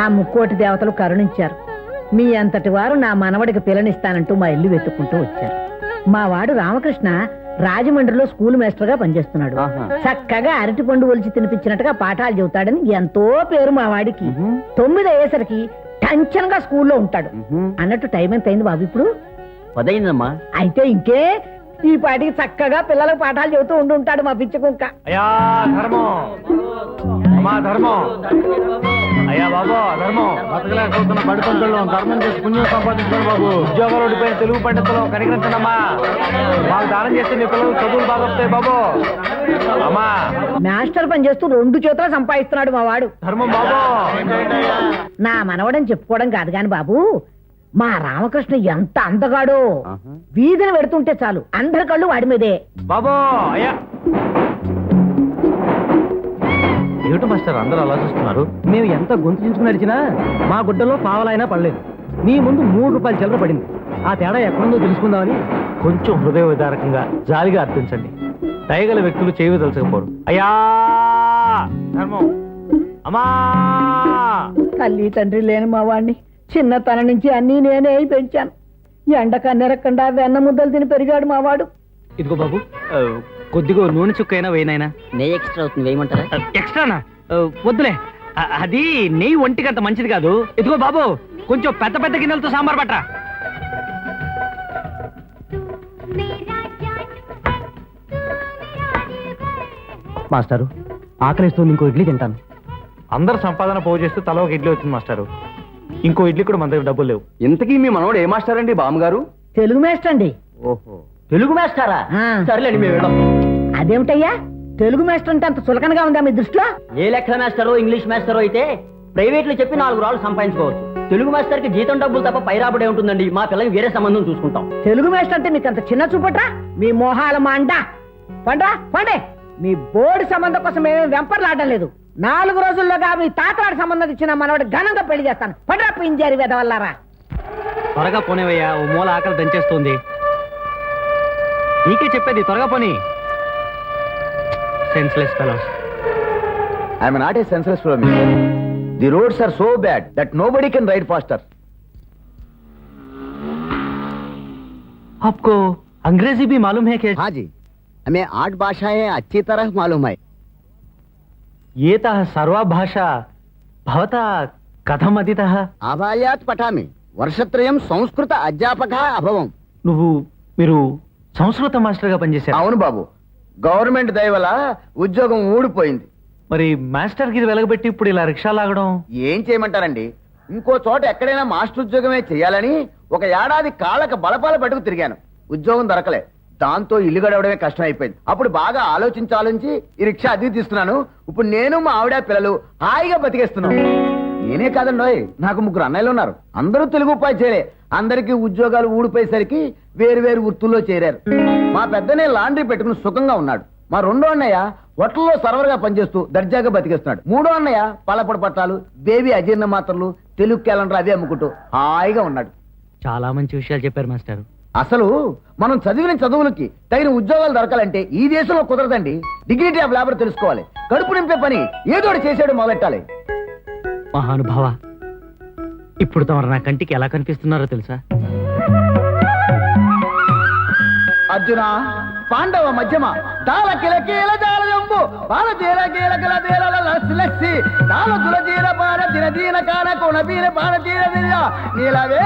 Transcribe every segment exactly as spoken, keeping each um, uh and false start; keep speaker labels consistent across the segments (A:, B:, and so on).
A: ముక్కోటి దేవతలు కరుణించారు. మీ అంతటి వారు నా మనవడికి పిల్లనిస్తానంటూ మా ఇల్లు వెతుక్కుంటూ వచ్చారు. మా వాడు రామకృష్ణ రాజమండ్రిలో స్కూల్ మాస్టర్ గా పనిచేస్తున్నాడు. చక్కగా అరటి పండు ఒలిచి తినిపించినట్టుగా పాఠాలు చెబుతాడని ఎంతో పేరు మా వాడికి. తొమ్మిది అయ్యేసరికి టెన్షన్ గా స్కూల్లో ఉంటాడు. అన్నట్టు టైం ఎంత అయింది బాబు? ఇప్పుడు
B: పదైందమ్మా.
A: అయితే ఇంకే ఈ పాటికి చక్కగా పిల్లలకు పాఠాలు చెబుతూ ఉండి ఉంటాడు మా పిచ్చి కుక్క.
C: అయ్యా ధర్మం, అమ్మా ధర్మం, అయ్యా బాబు ధర్మం, బతకలేకపోతున్న బడి పంతుల్లో ధర్మం చేసి పుణ్యం సంపాదించుకోండి బాబు. ఉద్యోగాలు ఓడిపోయిన తెలుగు పండితులు కనికరించండమ్మా. మాకు దానం చేస్తే మీ పిల్లలు చదువులు బాగా వస్తాయి బాబు. అమ్మా
A: మాస్టర్ పని చేస్తూ రెండు చేతులు సంపాదిస్తున్నాడు మా వాడు.
C: ధర్మం బాబు.
A: నా మనవడని చెప్పుకోవడం కాదు గాని బాబు, మా రామకృష్ణ ఎంత అందగాడో. వీధిని పెడుతుంటే చాలు అందరి కళ్ళు వాడి మీదే.
C: బాబు అయ్యా ఏమిటి మాస్టర్ అందరూ అలా చూస్తున్నారు?
B: మేము ఎంత గొంతు చించుకుని నడిచినా మా గుడ్డలో పావలైనా పడలేదు. మీ ముందు మూడు రూపాయలు చిల్లర పడింది. ఆ తేడా ఎక్కడుందో తెలుసుకుందామని.
C: కొంచెం హృదయ విదారకంగా జాలిగా అర్థించండి. దయగల వ్యక్తులు చేయవి తెలుసకపోరు. అయ్యా ధర్మం, అమ్మా.
A: తల్లి తండ్రి లేని మా వాడిని చిన్నతనం నుంచి అన్నీ నేనే పెంచాను. ఎండ కన్నెరకుండా వెన్న ముద్దలు తిని పెరిగాడు మా వాడు.
B: ఇదిగో బాబు, కొద్దిగా నూనె చుక్కైనా వేయనైనా.
D: నెయ్యి ఎక్స్ట్రా అవుతుంది, వేయమంటారా?
B: ఎక్స్ట్రానా? వద్దులే, అది నెయ్యి ఒంటికి అంత మంచిది కాదు. ఇదిగో బాబు, కొంచెం పెద్ద పెద్ద గిన్నెలతో సాంబార్ పట్రా. మాస్టారు ఆకలిస్తుంది, ఇంకో ఇడ్లీ తింటాను.
C: అందరు సంపాదన పోగు చేస్తే తల ఒక ఇడ్లీ వచ్చింది మాస్టారు. ఇంకో ఇడ్లీ కూడా మన దగ్గర డబ్బులు లేవు.
B: ఇంతకీ మీ మనవడు ఏ మాస్టర్ అండి? బామ్మగారు
A: తెలుగు మాస్టర్ అండి.
B: ఓహో, తెలుగు మాస్టారా? సరేలేండి, మేము వెళ్ళాం.
A: అదేమిటయ్యా తెలుగు మాస్టర్ అంటే అంత చులకనగా ఉందా మీ దృష్టిలో?
D: ఏ లెక్క మాస్టరో ఇంగ్లీష్ మాస్టరో అయితే ప్రైవేట్ లో చెప్పి నాలుగు రాళ్ళు సంపాదించుకోవచ్చు. తెలుగు మాస్టర్ కి జీతం డబ్బులు తప్ప పై రాబడే ఉంటుందండి. మా పిల్లకి వేరే సంబంధం చూసుకుంటాం.
A: తెలుగు మాస్టర్ అంటే మీకు అంత చిన్న చూపట్రా? మీ మోహాల మాండ పండ్రా పండే. మీ బోర్డు సంబంధం కోసం మేమేం వెంపర్లాడడం లేదు. నాలుగు రోజుల్లోగా మీ తాతవాడి సంబంధం ఇచ్చిన మనవాడు ఘనంగా పెళ్లి చేస్తాను. పండ్రా పింజారి వెదవల్లారా.
B: త్వరగా పోనేవయ్యా, ఓ మూల ఆకలి దంచేస్తుంది. నీకే చెప్పేది, త్వరగా పోనీ. Senseless fellows.
E: I am not a senseless fellow. The roads are so bad that nobody can ride faster.
B: आपको अंग्रेजी भी मालूम है क्या?
E: हाँ जी, हमें आठ भाषाएं अच्छी तरह मालूम है.
B: ये ता सर्वा भाषा भवता कथम अधीतः?
E: आभायात पठामि. वर्षत्रयं संस्कृत अध्यापकः अभवम्.
B: నువ్వు మీరు సంస్కృత మాస్టర్ గా పనిచేశారు?
E: అవును బాబు, గవర్నమెంట్ దయ వల్ల ఉద్యోగం ఊడిపోయింది.
B: మరి మాస్టర్ కి వెలగబెట్టి ఇప్పుడు ఇలా రిక్షా లాగడం?
E: ఏం చేయమంటారండి, ఇంకో చోట ఎక్కడైనా మాస్టర్ ఉద్యోగమే చేయాలని ఒక ఏడాది కాళ్ళక బలపాల పట్టుకు తిరిగాను. ఉద్యోగం దొరకలే. దాంతో ఇల్లు గడవడమే కష్టం అయిపోయింది. అప్పుడు బాగా ఆలోచించి ఆలోచించి ఈ రిక్షా అద్దె తీస్తున్నాను. ఇప్పుడు నేను మా ఆవిడ పిల్లలు హాయిగా బతికేస్తున్నాను. నేనే కాదండోయ్, నాకు ముగ్గురు అన్నయ్యలు ఉన్నారు. అందరూ తెలుగు ఉపాధ్యాయులే. అందరికీ ఉద్యోగాలు ఊడిపోయేసరికి వేరు వేరు వృత్తుల్లో చేరారు. మా పెద్దనే లాండ్రీ పెట్టుకుని సుఖంగా ఉన్నాడు. మా రెండో అన్నయ్య హోటల్లో సర్వర్ గా పనిచేస్తూ దర్జాగా బతికేస్తున్నాడు. మూడో అన్నయ్య పలపడి పట్టాలు, బేబీ అజీర్ణ మాత్రలు, తెలుగు క్యాలెండర్ అవి అమ్ముకుంటూ హాయిగా ఉన్నాడు.
B: చాలా మంచి విషయాలు చెప్పారు మాస్టర్.
E: అసలు మనం చదివిన చదువులకి తగిన ఉద్యోగాలు దొరకాలంటే ఈ దేశంలో కుదరదండి. డిగ్నిటీ ఆఫ్ లేబర్ తెలుసుకోవాలి. కడుపు నింపే పని ఏదోటి చేసాడు మొదలెట్టాలి.
B: మహానుభావ, ఇప్పుడు తమరు నా కంటికి ఎలా కనిపిస్తున్నారో తెలుసా?
E: అర్జున పాండవ మధ్యమ తాళ కిలకీల జాలజంబు బాల జీల కీల కిల బీరల లస్సి తాళ తుల జీల పార దిన దీన కాన కొన బీర పాన తీర దిల్ల నీలవే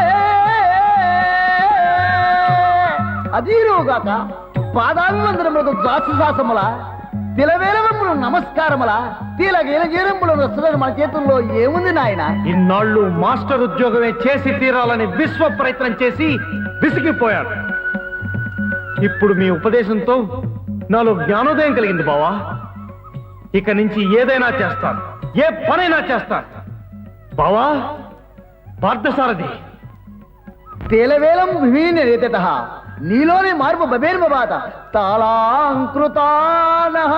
E: అదీరుగాక పాదాభివందనములకు దాసుశాసముల తిలవేలవములు నమస్కారముల తీల గీల గీరంబులు వస్తున్నది మన చేతుల్లో ఏముంది నాయన?
C: ఇన్నాళ్ళు మాస్టర్ ఉద్యోగమే చేసి తీరాలని విశ్వ ప్రయత్నం చేసి విసిగిపోయాడు. ఇప్పుడు మీ ఉపదేశంతో నాలో జ్ఞానోదయం కలిగింది బావా. ఇక నుంచి ఏదైనా చేస్తాను, ఏ పనైనా చేస్తాను బావా. పార్థసారథి
E: తేలవేలం విహీన రేతత నీలోని మార్పు బబేర్మబాత తాళాంకృతానః.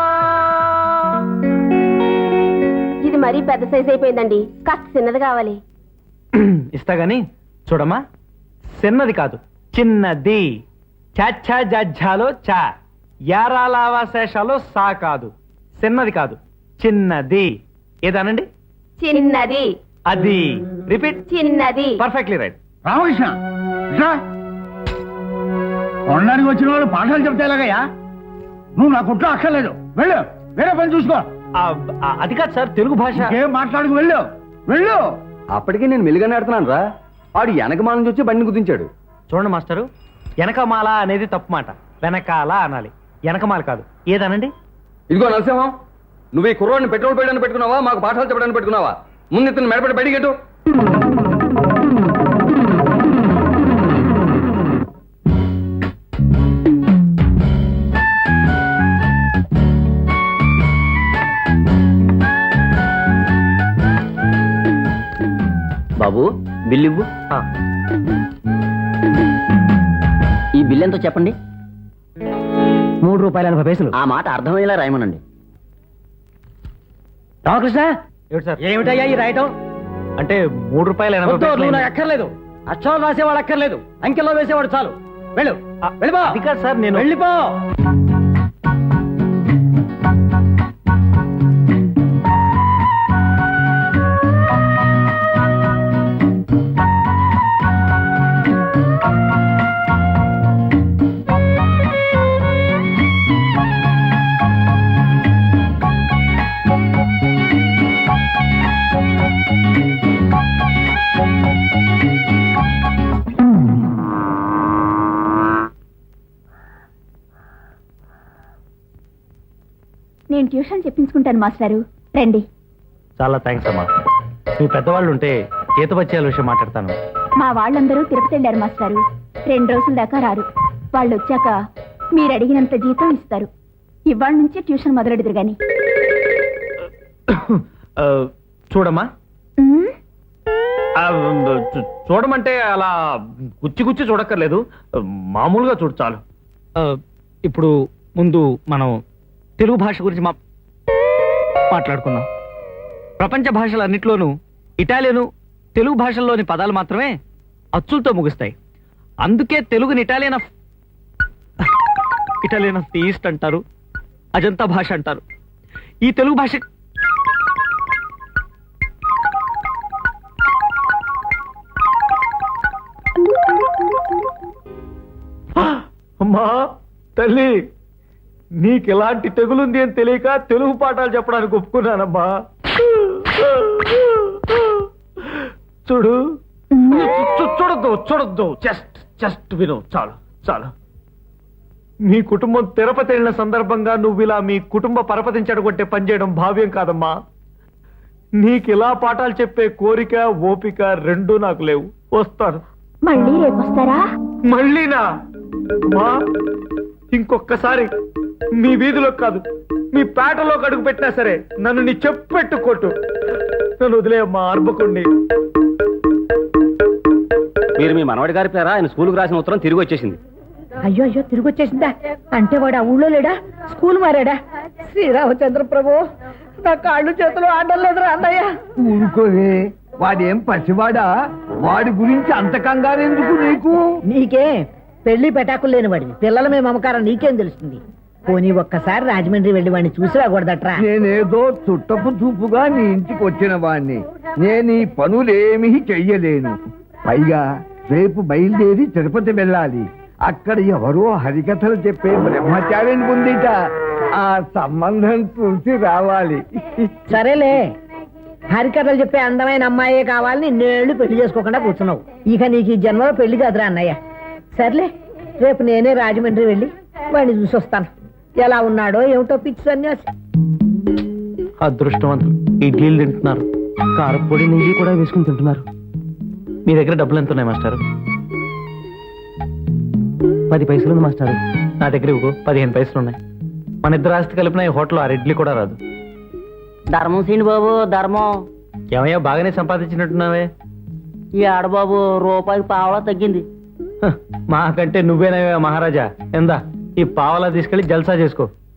F: ఇది మరీ పెద్ద సైజ్ అయిపోయిందండి, కాస్త చిన్నది కావాలి.
B: ఇస్తా గాని చూడమ్మా, చిన్నది కాదు చిన్నది. చాచా జజ్జాలో చా, యారాలావాశేషాలో సా కాదు. చిన్నది కాదు, చిన్నది. ఏదానండి?
F: చిన్నది.
C: అది రిపీట్.
F: చిన్నది.
C: Perfectly right.
G: రామకృష్ణ ఇట్లా కొనడానికి వచ్చిన వాళ్ళు పాఠాలు చెప్తే ఎలాగయ్యా? నువ్వు నా కుట్ర అక్కర్లేదు, వెళ్ళు, వేరే పని చూసుకో.
C: అది కాదు సార్, తెలుగు భాష.
G: ఏం మాట్లాడుకు, వెళ్ళు వెళ్ళు.
B: అప్పటికే నేను మెలుగానే ఆడుతున్నాను రా. ఆడు వెనకమాల నుంచి వచ్చి బండిని గుద్దించాడు.
C: చూడండి మాస్టరు, వెనకమాల అనేది తప్పు మాట. వెనకాల అనాలి, వెనకమాల కాదు. ఏదనండి?
B: ఇదిగో నరసింహం, నువ్వు ఈ కుర్రోడిని పెట్రోల్ పోయడానికి పెట్టుకున్నావా, మాకు పాఠాలు చెప్పడానికి పెట్టుకున్నావా? ముందు ఇతను మెడపడి బయటికి ఎటు.
D: బాబు బిల్ ఇవ్వు.
C: ఆ,
D: ఈ బిల్ ఎంతో చెప్పండి.
B: మూడు రూపాయల ఎనభై పైసలు.
D: ఆ మాట అర్థమయ్యేలా రాయమనండి.
B: రామకృష్ణ,
C: ఏమిటి సార్?
B: ఏమిటయ్యా ఈ రాయటం?
C: అంటే మూడు రూపాయలు ఎనభై
B: వద్దు,
C: పైసలు
B: నువ్వు నాకు
C: అయింది.
B: అక్కర్లేదు. అక్షరాలు రాసేవాడు అక్కర్లేదు, అంకెల్లో వేసేవాడు చాలు. వెళ్ళు,
C: ఆ,
B: వెళ్ళిపో.
C: అది కాదు సార్, నేను
B: వెళ్ళిపో.
F: నేను ట్యూషన్ చెప్పించుకుంటాను మాస్టారు, రండి.
C: చాలా థ్యాంక్స్ అమ్మా. మీ పెద్దవాళ్ళు ఉంటే జీతబత్యాల విషయం మాట్లాడతాను.
F: మా వాళ్ళందరూ తిరుపతి వెళ్ళారు మాస్టారు. రెండు రోజుల దాకా రారు. వాళ్ళు వచ్చాక మీరు అడిగినంత జీతం ఇస్తారు. ఇవాళ నుంచి ట్యూషన్ మొదలెడదురు గాని.
C: ఆ, చూడమ్మా,
F: ఉమ్,
C: ఆ, చూ- చూడమంటే అలా గుచ్చి గుచ్చి చూడక్కర్లేదు, మామూలుగా చూడు చాలు. ఆ, ఇప్పుడు ముందు మనం తెలుగు భాష గురించి మా మాట్లాడుకుందాం. ప్రపంచ భాషలన్నిట్లోనూ ఇటాలియను తెలుగు భాషల్లోని పదాలు మాత్రమే అచ్చులతో ముగుస్తాయి. అందుకే తెలుగుని Italian of Italian of the east అంటారు, అజంతా భాష అంటారు. ఈ తెలుగు భాష అమ్మా తల్లి, నీకు ఎలాంటి తెగులుంది అని తెలియక తెలుగు పాఠాలు చెప్పడానికి ఒప్పుకున్నానమ్మా. చూడు, చూ- చూడొద్దు చూడొద్దు జస్ట్ జస్ట్ విను, చాలు చాలు. మీ కుటుంబం తిరుపతి వెళ్ళిన సందర్భంగా నువ్వు ఇలా మీ కుటుంబ పరపతిని చెడగొట్టే పనిచేయడం భావ్యం కాదమ్మా. నీకు ఇలా పాఠాలు చెప్పే కోరిక ఓపిక రెండూ నాకు లేవు. వస్తాను.
F: మళ్ళీ రేపు వస్తారా?
C: మళ్ళీనా? అమ్మా, ఇంకొక్కసారి మీ వీధిలో కాదు మీ పేటలో అడుగు పెట్టినా సరే నన్ను నీ చెప్పెట్టు కొట్టు. నన్ను వదిలేయమ్మా అర్భకుండి.
B: మీరు మీ మనవడి గారి పేర ఆయన స్కూల్కి రాసిన ఉత్తరం తిరిగి వచ్చేసింది.
A: అయ్యో అయ్యో, తిరిగి వచ్చేసిందా? అంటే వాడు ఆ ఊళ్ళో లేడా? స్కూల్ మారాడా? శ్రీరామచంద్ర ప్రభు, నా కాళ్ళు చేతులు ఆడడం లేదురా అన్నయ్య.
G: ఊరుకోవే, వాడేం పసివాడా? వాడి గురించి అంత కంగారు ఎందుకు నీకు?
A: నీకే పెళ్లి పెటాకులు లేని వాడివి, పిల్లల మీద మమకారం నీకేం తెలుస్తుంది? పోనీ ఒక్కసారి రాజమండ్రి వెళ్ళి వాడిని చూసి రాకూడదట్రా?
G: నేనేదో చుట్టపు చూపుగా నీ ఇంటికి వచ్చిన వాణ్ణి, నేను ఈ పనులేమీ చెయ్యలేను. పైగా రేపు బయలుదేరి తిరుపతి వెళ్ళాలి. అక్కడ ఎవరో హరికథలు చెప్పే బ్రహ్మచారిని పొందిట. ఆ సంబంధం చూసి రావాలి.
A: సరేలే, హరికథలు చెప్పే అందమైన అమ్మాయే కావాలని నేళ్ళు పెళ్లి చేసుకోకుండా కూర్చున్నావు. ఇక నీకు ఈ జన్మలో పెళ్లి కాదురా అన్నయ్య. సర్లే, రేపు నేనే రాజమండ్రి వెళ్ళి వాడిని చూసి వస్తాను. ఎలా ఉన్నాడో ఏమిటో పిచ్చి సన్యాసి.
C: అదృష్టవంతులు ఇడ్లీలు తింటున్నారు, కారపొడి నెయ్యి కూడా వేసుకుని తింటున్నారు. మీ దగ్గర డబ్బులు ఎంత ఉన్నాయి మాస్టారు? పది పైసలు ఉంది మాస్టారు. నా దగ్గర ఇవ్వు, పదిహేను పైసలు ఉన్నాయి. మన ఇద్దరు ఆస్తి కలిపిన ఈ హోటల్ ఆరు ఇడ్లీ కూడా రాదు.
D: ధర్మం సీని బాబు, ధర్మం.
C: ఏమయ్యా, బాగానే సంపాదించినట్టున్నావే.
D: ఈ ఆడబాబు రూపాయికి పావలా తగ్గింది.
C: హ, మాకంటే నువ్వేనవే మహారాజా. ఎందా ఈ పావలా తీసుకెళ్లి జల్సా చేసుకో.